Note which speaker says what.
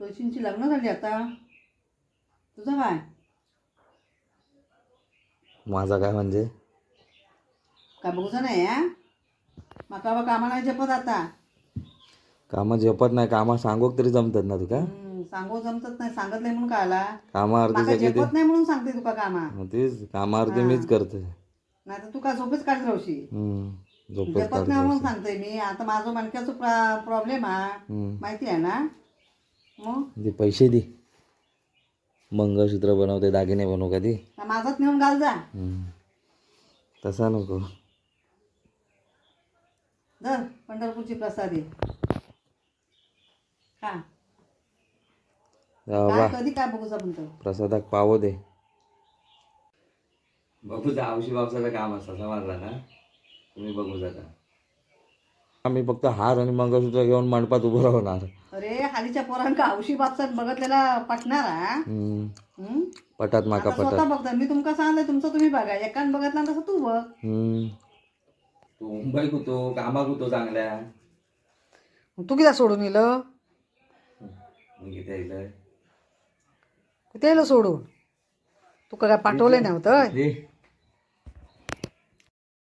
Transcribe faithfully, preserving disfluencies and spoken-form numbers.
Speaker 1: तुळशींची लग्न झाली आता. तुझं काय?
Speaker 2: माझा काय म्हणजे
Speaker 1: काय बघूचं नाही हा. माका बा कामा नाही झेपत आता.
Speaker 2: कामा झेपत नाही. कामा सांगोक तरी जमतात ना तुका.
Speaker 1: हम्म, सांगू जमतच नाही. सांगत नाही म्हणून काय आला.
Speaker 2: कामा अर्धी
Speaker 1: माका
Speaker 2: सगळी ते
Speaker 1: झेपत नाही म्हणून सांगते तुका कामा.
Speaker 2: मग तेच कामा अर्धी
Speaker 1: हा.
Speaker 2: मीच करते.
Speaker 1: नाही तर तू काय झोपेच काढत राहशी.
Speaker 2: हम्म झोपच
Speaker 1: झेपत
Speaker 2: काढत
Speaker 1: नाही म्हणून
Speaker 2: असते.
Speaker 1: सांगते मी. आता माझं मणक्याचं प्रॉब्लेम हा.
Speaker 2: हम्म.
Speaker 1: माहिती आहे ना. मग
Speaker 2: दे पैसे दे. मंगळसूत्र बनवते दागिने बनवू का ती.
Speaker 1: माझाच नेऊन घाल जा.
Speaker 2: हम्म. तसा नको.
Speaker 1: धर पंढरपूरची प्रसादी. हा
Speaker 2: बाबा
Speaker 1: काय कधी काय बघूचा म्हणतो.
Speaker 2: प्रसादाक पाव दे. बघूचा आवशी बापसाचं काम असतं समजला ना. तुम्ही बघू जाता. आम्ही फक्त हार आणि मंगळसूत्र घेऊन मंडपात उभं राहणार.
Speaker 1: अरे हालीच्या पोरांका हौशी बापसात बघतलेला पटणार हा.
Speaker 2: हम्म.
Speaker 1: हम्म?
Speaker 2: पटात माका
Speaker 1: आता स्वतः
Speaker 2: पटात.
Speaker 1: बघता. मी तुमका सांगलंय तुमचं तुम्ही बघा. एकान बघितला तसं तू बघ.
Speaker 2: हम्म. तू मुंबई कुतो कामा कुतो चांगल्या.
Speaker 1: तू किती सोडून इलं.
Speaker 2: मग इथे येतोय.
Speaker 1: कुठे येलं सोडून. तू काय पाठवले नव्हतं.